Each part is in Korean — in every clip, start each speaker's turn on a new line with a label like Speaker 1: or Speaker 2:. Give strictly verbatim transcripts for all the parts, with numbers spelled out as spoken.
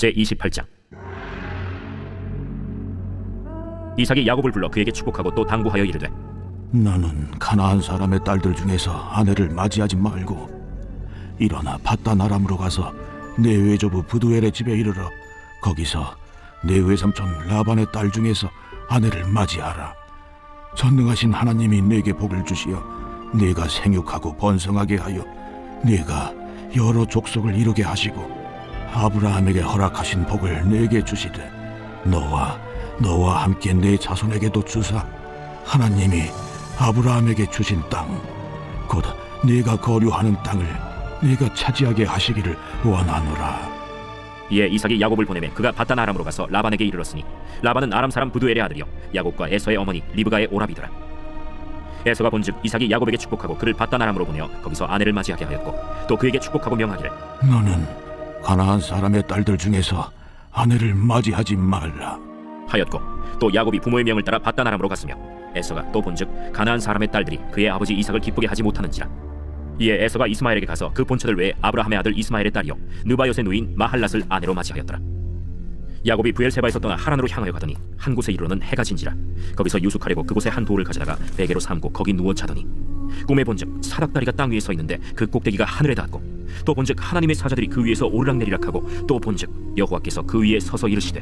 Speaker 1: 제이십팔 장. 이삭이 야곱을 불러 그에게 축복하고 또 당부하여 이르되,
Speaker 2: 너는 가나안 사람의 딸들 중에서 아내를 맞이하지 말고 일어나 밧단 아람으로 가서 내 외조부 부두엘의 집에 이르러 거기서 내 외삼촌 라반의 딸 중에서 아내를 맞이하라. 전능하신 하나님이 내게 복을 주시어 네가 생육하고 번성하게 하여 네가 여러 족속을 이루게 하시고 아브라함에게 허락하신 복을 내게 주시되 너와 너와 함께 내 자손에게도 주사 하나님이 아브라함에게 주신 땅 곧 네가 거류하는 땅을 네가 차지하게 하시기를 원하노라.
Speaker 1: 이에 이삭이 야곱을 보내매 그가 밧단 아람으로 가서 라반에게 이르렀으니 라반은 아람 사람 부두엘의 아들이요 야곱과 에서의 어머니 리브가의 오라비더라. 에서가 본즉 이삭이 야곱에게 축복하고 그를 밧단 아람으로 보내어 거기서 아내를 맞이하게 하였고 또 그에게 축복하고 명하기를,
Speaker 2: 너는 가나안 사람의 딸들 중에서 아내를 맞이하지 말라
Speaker 1: 하였고 또 야곱이 부모의 명을 따라 밧단 아람으로 갔으며 에서가 또 본즉 가나안 사람의 딸들이 그의 아버지 이삭을 기쁘게 하지 못하는지라. 이에 에서가 이스마엘에게 가서 그 본처들 외에 아브라함의 아들 이스마엘의 딸이요 느바요의 누인 마할랏을 아내로 맞이하였더라. 야곱이 부엘세바에서 떠나 하란으로 향하여 가더니 한 곳에 이르러는 해가 진지라. 거기서 유숙하려고 그곳에 한 돌을 가져다가 베개로 삼고 거기 누워 자더니 꿈에 본즉 사닥다리가 땅 위에 서 있는데 그 꼭대기가 하늘에 닿았고 또 본즉 하나님의 사자들이 그 위에서 오르락내리락하고 또 본즉 여호와께서 그 위에 서서 이르시되,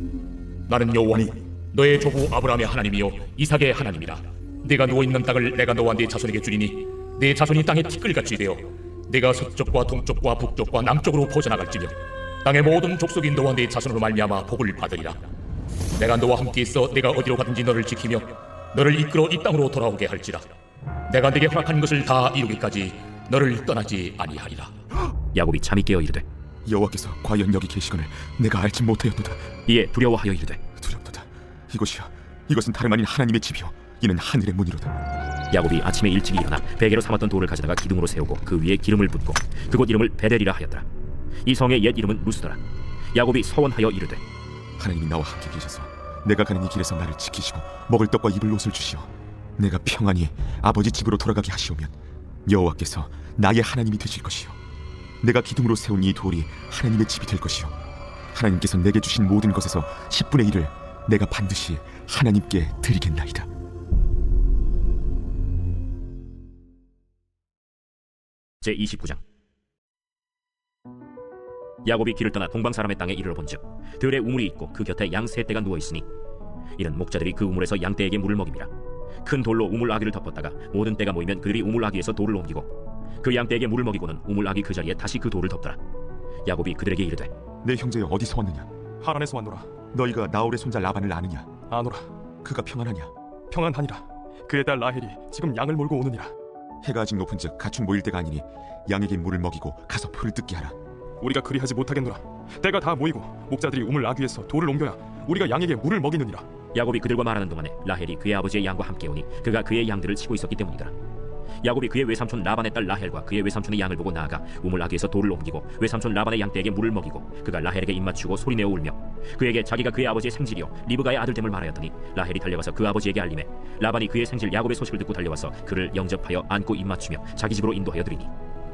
Speaker 3: 나는 여호와니 너의 조부 아브라함의 하나님이요 이삭의 하나님이라. 네가 누워있는 땅을 내가 너와 네 자손에게 주리니 네 자손이 땅에 티끌같이 되어 네가 서쪽과 동쪽과 북쪽과 남쪽으로 퍼져나갈지며 땅의 모든 족속이 너와 네 자손으로 말미암아 복을 받으리라. 내가 너와 함께 있어 내가 어디로 가든지 너를 지키며 너를 이끌어 이 땅으로 돌아오게 할지라. 내가 네게 허락한 것을 다 이루기까지 너를 떠나지 아니하리라.
Speaker 1: 야곱이 잠이 깨어 이르되,
Speaker 4: 여호와께서 과연 여기 계시거늘 내가 알지 못하였도다.
Speaker 1: 이에 두려워하여 이르되,
Speaker 4: 두렵도다. 이곳이여, 이것은 다름 아닌 하나님의 집이요 이는 하늘의 문이로다.
Speaker 1: 야곱이 아침에 일찍 일어나 베개로 삼았던 돌을 가져다가 기둥으로 세우고 그 위에 기름을 붓고 그곳 이름을 베델이라 하였더라. 이 성의 옛 이름은 루스더라. 야곱이 서원하여 이르되,
Speaker 4: 하나님이 나와 함께 계셔서 내가 가는 이 길에서 나를 지키시고 먹을 떡과 입을 옷을 주시어 내가 평안히 아버지 집으로 돌아가게 하시오면 여호와께서 나의 하나님이 되실 것이요 내가 기둥으로 세운 이 돌이 하나님의 집이 될 것이요 하나님께서 내게 주신 모든 것에서 십분의 일을 내가 반드시 하나님께 드리겠나이다.
Speaker 1: 제이십구 장. 야곱이 길을 떠나 동방 사람의 땅에 이르러 본즉 들에 우물이 있고 그 곁에 양 세 떼가 누워 있으니 이는 목자들이 그 우물에서 양 떼에게 물을 먹입니다. 큰 돌로 우물 아귀를 덮었다가 모든 떼가 모이면 그들이 우물 아귀에서 돌을 옮기고 그 양 떼에게 물을 먹이고는 우물 아귀 그 자리에 다시 그 돌을 덮더라. 야곱이 그들에게 이르되,
Speaker 4: 내 형제여 어디서 왔느냐?
Speaker 5: 하란에서 왔노라.
Speaker 4: 너희가 나홀의 손자 라반을 아느냐?
Speaker 5: 아노라.
Speaker 4: 그가 평안하냐?
Speaker 5: 평안하니라. 그의 딸 라헬이 지금 양을 몰고 오느니라.
Speaker 4: 해가 아직 높은즉 가축 모일 때가 아니니 양에게 물을 먹이고 가서 풀을 뜯게 하라.
Speaker 5: 우리가 그리하지 못하겠노라. 때가 다 모이고 목자들이 우물 아귀에서 돌을 옮겨야 우리가 양에게 물을 먹이느니라.
Speaker 1: 야곱이 그들과 말하는 동안에 라헬이 그의 아버지의 양과 함께 오니 그가 그의 양들을 치고 있었기 때문이더라. 야곱이 그의 외삼촌 라반의 딸 라헬과 그의 외삼촌의 양을 보고 나아가 우물 아귀에서 돌을 옮기고 외삼촌 라반의 양떼에게 물을 먹이고 그가 라헬에게 입맞추고 소리내어 울며 그에게 자기가 그의 아버지의 생질이요 리브가의 아들됨을 말하였더니 라헬이 달려가서 그 아버지에게 알리매 라반이 그의 생질 야곱의 소식을 듣고 달려와서 그를 영접하여 안고 입맞추며 자기 집으로 인도하여 드리니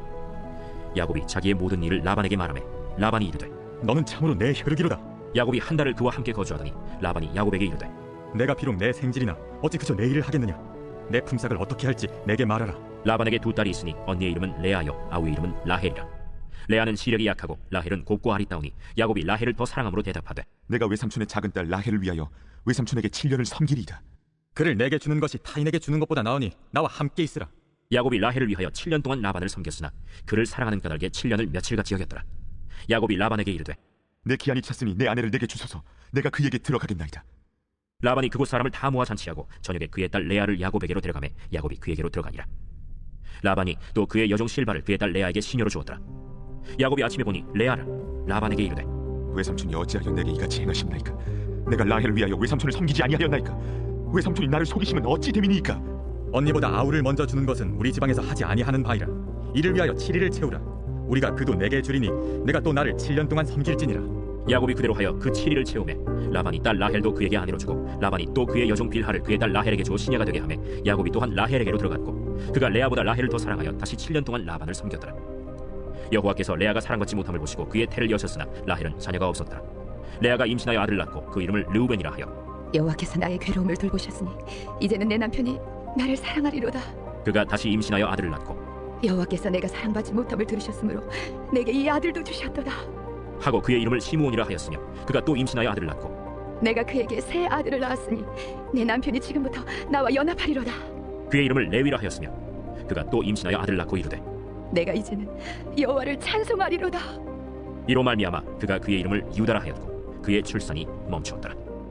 Speaker 1: 야곱이 자기의 모든 일을 라반에게 말하매 라반이 이르되,
Speaker 6: 너는 참으로 내 혈육이로다.
Speaker 1: 야곱이 한 달을 그와 함께 거주하더니 라반이 야곱에게 이르되,
Speaker 6: 내가 비록 내 생질이나 어찌 그저 내 일을 하겠느냐. 내 품삯을 어떻게 할지 내게 말하라.
Speaker 1: 라반에게 두 딸이 있으니 언니의 이름은 레아요 아우의 이름은 라헬이라. 레아는 시력이 약하고 라헬은 곱고 아리따우니 야곱이 라헬을 더 사랑함으로 대답하되,
Speaker 4: 내가 외삼촌의 작은 딸 라헬을 위하여 외삼촌에게 칠 년을 섬기리이다.
Speaker 6: 그를 내게 주는 것이 타인에게 주는 것보다 나으니 나와 함께 있으라.
Speaker 1: 야곱이 라헬을 위하여 칠 년 동안 라반을 섬겼으나 그를 사랑하는 까닭에 칠 년을 며칠같이 여겼더라. 야곱이 라반에게 이르되,
Speaker 4: 내 기한이 찼으니 내 아내를 내게 주소서. 내가 그에게 들어가겠나이다.
Speaker 1: 라반이 그곳 사람을 다 모아 잔치하고 저녁에 그의 딸 레아를 야곱에게로 데려가매 야곱이 그에게로 들어가니라. 라반이 또 그의 여종 실바를 그의 딸 레아에게 시녀로 주었더라. 야곱이 아침에 보니 레아를 라반에게 이르되,
Speaker 4: 외삼촌이 어찌하여 내게 이같이 행하십나이까? 내가 라헬을 위하여 외삼촌을 섬기지 아니하였나이까? 외삼촌이 나를 속이시면 어찌 됨이니까?
Speaker 6: 언니보다 아우를 먼저 주는 것은 우리 지방에서 하지 아니하는 바이라. 이를 위하여 칠 일을 채우라. 우리가 그도 내게 주리니 내가 또 나를 칠 년 동안 섬길지니라.
Speaker 1: 야곱이 그대로 하여 그 칠 일을 채우매 라반이 딸 라헬도 그에게 아내로 주고 라반이 또 그의 여종 빌하를 그의 딸 라헬에게 주어 시녀가 되게 하매 야곱이 또한 라헬에게로 들어갔고 그가 레아보다 라헬을 더 사랑하여 다시 칠 년 동안 라반을 섬겼더라. 여호와께서 레아가 사랑받지 못함을 보시고 그의 태를 여셨으나 라헬은 자녀가 없었더라. 레아가 임신하여 아들을 낳고 그 이름을 르우벤이라 하여
Speaker 7: 여호와께서 나의 괴로움을 돌보셨으니 이제는 내 남편이 나를 사랑하리로다.
Speaker 1: 그가 다시 임신하여 아들을 낳고
Speaker 7: 여호와께서 내가 사랑받지 못함을 들으셨으므로 내게 이 아들도 주셨도다.
Speaker 1: 하고 그의 이름을 시므온이라 하였으며 그가 또 임신하여 아들을 낳고
Speaker 7: 내가 그에게 새 아들을 낳았으니 내 남편이 지금부터 나와 연합하리로다.
Speaker 1: 그의 이름을 레위라 하였으며 그가 또 임신하여 아들을 낳고 이르되
Speaker 7: 내가 이제는 여호와를 찬송하리로다.
Speaker 1: 이로 말미암아 그가 그의 이름을 유다라 하였고 그의 출산이 멈추었더라.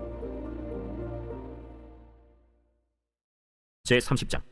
Speaker 1: 제삼십 장.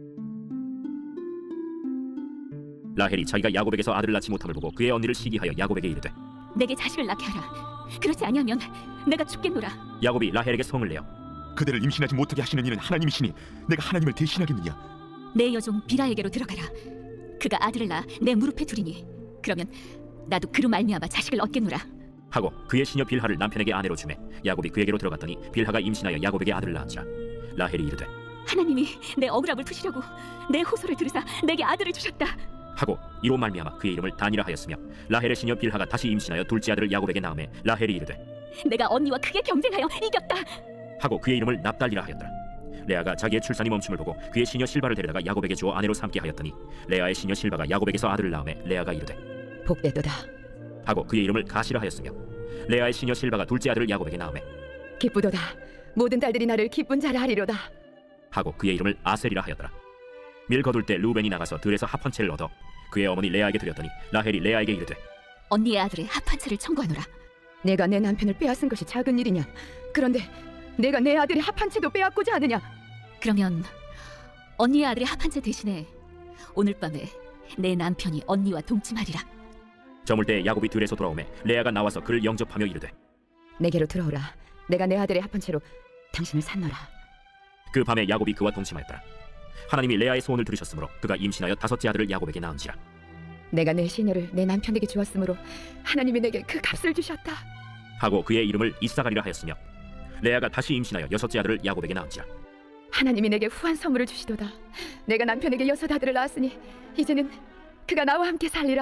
Speaker 1: 라헬이 자기가 야곱에게서 아들을 낳지 못함을 보고 그의 언니를 시기하여 야곱에게 이르되
Speaker 8: 내게 자식을 낳게 하라. 그렇지 아니하면 내가 죽겠노라.
Speaker 1: 야곱이 라헬에게 성을 내어
Speaker 4: 그대를 임신하지 못하게 하시는 이는 하나님이시니 내가 하나님을 대신하겠느냐?
Speaker 8: 내 여종 비라에게로 들어가라. 그가 아들을 낳아 내 무릎에 두리니 그러면 나도 그로 말미암아 자식을 얻겠노라.
Speaker 1: 하고 그의 시녀 빌하를 남편에게 아내로 주매 야곱이 그에게로 들어갔더니 빌하가 임신하여 야곱에게 아들을 낳은지라. 라헬이 이르되
Speaker 8: 하나님이 내 억울함을 푸시려고 내 호소를 들으사 내게 아들을 주셨다.
Speaker 1: 하고 이로 말미암아 그의 이름을 단이라 하였으며 라헬의 시녀 빌하가 다시 임신하여 둘째 아들을 야곱에게 낳음에 라헬이 이르되
Speaker 8: 내가 언니와 크게 경쟁하여 이겼다.
Speaker 1: 하고 그의 이름을 납달리라 하였더라. 레아가 자기의 출산이 멈춤을 보고 그의 시녀 실바를 데려다가 야곱에게 주어 아내로 삼게 하였더니 레아의 시녀 실바가 야곱에게서 아들을 낳음에 레아가 이르되
Speaker 7: 복되도다.
Speaker 1: 하고 그의 이름을 가시라 하였으며 레아의 시녀 실바가 둘째 아들을 야곱에게 낳음에
Speaker 7: 기쁘도다. 모든 딸들이 나를 기쁜 자라 하리로다.
Speaker 1: 하고 그의 이름을 아셀이라 하였더라. 밀 거둘 때 루벤이 나가서 들에서 합 한 채를 얻어 그의 어머니 레아에게 드렸더니 라헬이 레아에게 이르되
Speaker 8: 언니의 아들의 합한 채를 청구하노라.
Speaker 7: 내가 내 남편을 빼앗은 것이 작은 일이냐? 그런데 내가 내 아들의 합한 채도 빼앗고자 하느냐?
Speaker 8: 그러면 언니의 아들의 합한 채 대신에 오늘 밤에 내 남편이 언니와 동침하리라.
Speaker 1: 저물 때 야곱이 들에서 돌아오매 레아가 나와서 그를 영접하며 이르되
Speaker 7: 내게로 들어오라. 내가 내 아들의 합한 채로 당신을 산노라.
Speaker 1: 그 밤에 야곱이 그와 동침하였더라. 하나님이 레아의 소원을 들으셨으므로 그가 임신하여 다섯째 아들을 야곱에게 낳은지라.
Speaker 7: 내가 내 시녀를 내 남편에게 주었으므로 하나님이 내게 그 값을 주셨다.
Speaker 1: 하고 그의 이름을 이사가리라 하였으며 레아가 다시 임신하여 여섯째 아들을 야곱에게 낳은지라.
Speaker 7: 하나님이 내게 후한 선물을 주시도다. 내가 남편에게 여섯 아들을 낳았으니 이제는 그가 나와 함께 살리라.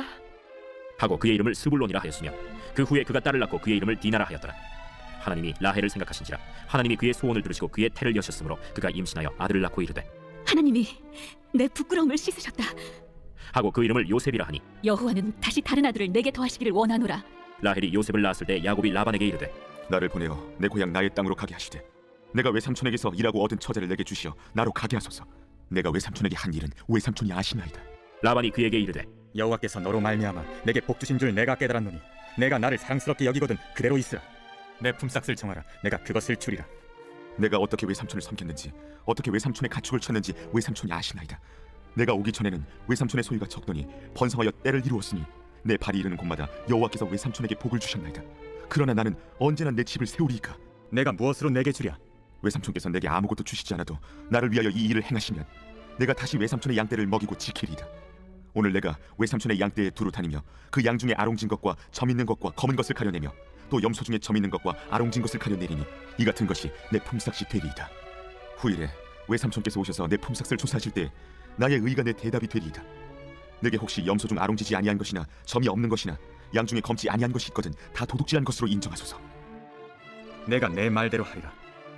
Speaker 1: 하고 그의 이름을 스불론이라 하였으며 그 후에 그가 딸을 낳고 그의 이름을 디나라 하였더라. 하나님이 라헬을 생각하신지라 하나님이 그의 소원을 들으시고 그의 태를 여셨으므로 그가 임신하여 아들을 낳고 이르되
Speaker 8: 하나님이 내 부끄러움을 씻으셨다.
Speaker 1: 하고 그 이름을 요셉이라 하니
Speaker 8: 여호와는 다시 다른 아들을 내게 더하시기를 원하노라.
Speaker 1: 라헬이 요셉을 낳았을 때 야곱이 라반에게 이르되
Speaker 4: 나를 보내어 내 고향 나의 땅으로 가게 하시되 내가 외삼촌에게서 일하고 얻은 처자를 내게 주시어 나로 가게 하소서. 내가 외삼촌에게 한 일은 외삼촌이 아시나이다.
Speaker 1: 라반이 그에게 이르되
Speaker 6: 여호와께서 너로 말미암아 내게 복 주신 줄 내가 깨달았노니 내가 나를 사랑스럽게 여기거든 그대로 있으라. 내 품삯을 정하라. 내가 그것을 주리라.
Speaker 4: 내가 어떻게 외삼촌을 섬겼는지 어떻게 외삼촌의 가축을 쳤는지 외삼촌이 아시나이다. 내가 오기 전에는 외삼촌의 소유가 적더니 번성하여 때를 이루었으니 내 발이 이르는 곳마다 여호와께서 외삼촌에게 복을 주셨나이다. 그러나 나는 언제나 내 집을 세우리이까.
Speaker 6: 내가 무엇으로 내게 주랴?
Speaker 4: 외삼촌께서 내게 아무것도 주시지 않아도 나를 위하여 이 일을 행하시면 내가 다시 외삼촌의 양떼를 먹이고 지키리이다. 오늘 내가 외삼촌의 양떼에 두루 다니며 그 양 중에 아롱진 것과 점 있는 것과 검은 것을 가려내며 또 염소 중에 점 있는 것과 아롱진 것을 가려내리니 이 같은 것이 내 품삯이 되리이다. 후일에 외삼촌께서 오셔서 내 품삯을 조사하실 때 나의 의가 내 대답이 되리이다. 내게 혹시 염소 중 아롱지지 아니한 것이나 점이 없는 것이나 양 중에 검지 아니한 것이 있거든 다 도둑질한 것으로 인정하소서.
Speaker 6: 내가 내 말대로 하리라.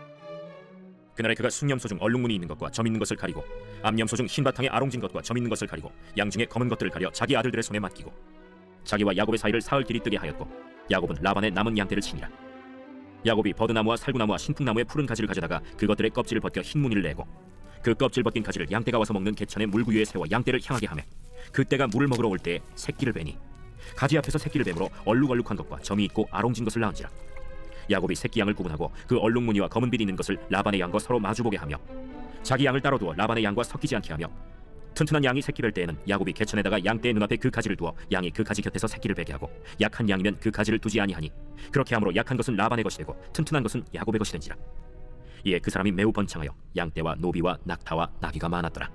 Speaker 1: 그날에 그가 숭염소 중 얼룩무늬 있는 것과 점 있는 것을 가리고 암염소 중 흰바탕에 아롱진 것과 점 있는 것을 가리고 양 중에 검은 것들을 가려 자기 아들들의 손에 맡기고 자기와 야곱의 사이를 사흘 길이 뜨게 하였고 야곱은 라반의 남은 양떼를 치니라. 야곱이 버드나무와 살구나무와 신풍나무의 푸른 가지를 가져다가 그것들의 껍질을 벗겨 흰 무늬를 내고 그 껍질 벗긴 가지를 양떼가 와서 먹는 개천의 물구 위에 세워 양떼를 향하게 하며 그때가 물을 먹으러 올 때에 새끼를 베니 가지 앞에서 새끼를 뱀으로 얼룩얼룩한 것과 점이 있고 아롱진 것을 낳은지라. 야곱이 새끼 양을 구분하고 그 얼룩무늬와 검은 빛 있는 것을 라반의 양과 서로 마주보게 하며 자기 양을 따로 두어 라반의 양과 섞이지 않게 하며 튼튼한 양이 새끼 뵐 때에는 야곱이 개천에다가 양떼의 눈앞에 그 가지를 두어 양이 그 가지 곁에서 새끼를 베게 하고 약한 양이면 그 가지를 두지 아니하니 그렇게 함으로 약한 것은 라반의 것이 되고 튼튼한 것은 야곱의 것이 된지라. 이에 그 사람이 매우 번창하여 양떼와 노비와 낙타와 나귀가 많았더라.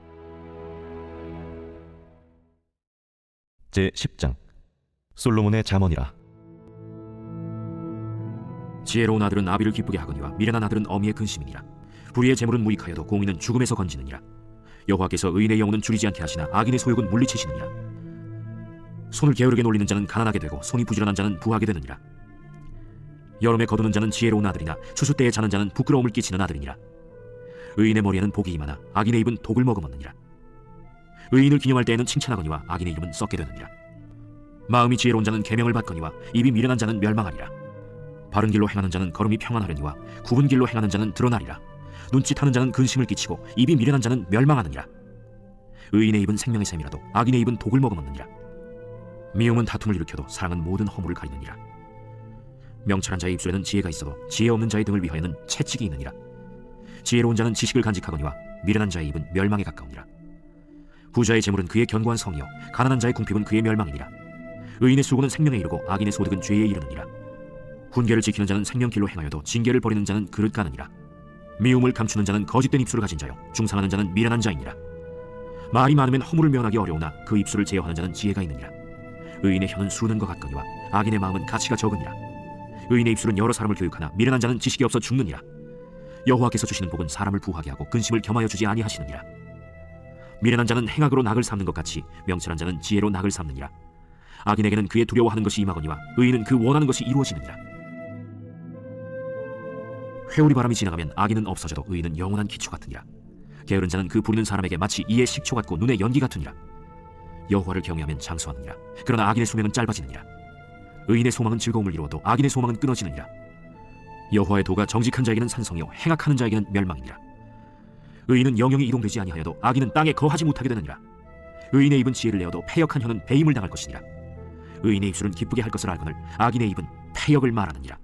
Speaker 9: 제십 장 솔로몬의 잠언이라.
Speaker 1: 지혜로운 아들은 아비를 기쁘게 하거니와 미련한 아들은 어미의 근심이니라. 불의의 재물은 무익하여도 공의는 죽음에서 건지느니라. 여호와께서 의인의 영혼은 줄이지 않게 하시나 악인의 소욕은 물리치시느니라. 손을 게으르게 놀리는 자는 가난하게 되고 손이 부지런한 자는 부하게 되느니라. 여름에 거두는 자는 지혜로운 아들이나 추수 때에 자는 자는 부끄러움을 끼치는 아들이니라. 의인의 머리에는 복이 임하나 악인의 입은 독을 머금었느니라. 의인을 기념할 때에는 칭찬하거니와 악인의 이름은 썩게 되느니라. 마음이 지혜로운 자는 계명을 받거니와 입이 미련한 자는 멸망하리라. 바른 길로 행하는 자는 걸음이 평안하려니와 굽은 길로 행하는 자는 드러나리라. 눈짓하는 자는 근심을 끼치고 입이 미련한 자는 멸망하느니라. 의인의 입은 생명의 샘이라도 악인의 입은 독을 머금었느니라. 미움은 다툼을 일으켜도 사랑은 모든 허물을 가리느니라. 명철한 자의 입술에는 지혜가 있어도 지혜 없는 자의 등을 위하여는 채찍이 있느니라. 지혜로운 자는 지식을 간직하거니와 미련한 자의 입은 멸망에 가까우니라. 부자의 재물은 그의 견고한 성이요 가난한 자의 궁핍은 그의 멸망이니라. 의인의 수고는 생명에 이르고 악인의 소득은 죄에 이르느니라. 훈계를 지키는 자는 생명길로 행하여도 징계를 버리는 자는 그릇 가느니라. 미움을 감추는 자는 거짓된 입술을 가진 자요 중상하는 자는 미련한 자이니라. 말이 많으면 허물을 면하기 어려우나 그 입술을 제어하는 자는 지혜가 있느니라. 의인의 혀는 수는 것 같거니와 악인의 마음은 가치가 적으니라. 의인의 입술은 여러 사람을 교육하나 미련한 자는 지식이 없어 죽느니라. 여호와께서 주시는 복은 사람을 부하게 하고 근심을 겸하여 주지 아니하시느니라. 미련한 자는 행악으로 낙을 삼는 것 같이 명철한 자는 지혜로 낙을 삼느니라. 악인에게는 그의 두려워하는 것이 임하거니와 의인은 그 원하는 것이 이루어지느니라. 회오리 바람이 지나가면 악인은 없어져도 의인은 영원한 기초 같으니라. 게으른 자는 그 부르는 사람에게 마치 이의 식초 같고 눈의 연기 같으니라. 여호와를 경외하면 장수하느니라. 그러나 악인의 수명은 짧아지느니라. 의인의 소망은 즐거움을 이루어도 악인의 소망은 끊어지느니라. 여호와의 도가 정직한 자에게는 산성이요 행악하는 자에게는 멸망이니라. 의인은 영영이 이동되지 아니하여도 악인은 땅에 거하지 못하게 되느니라. 의인의 입은 지혜를 내어도 패역한 혀는 배임을 당할 것이니라. 의인의 입술은 기쁘게 할 것을 알거늘 악인의 입은 패역을 말하느니라.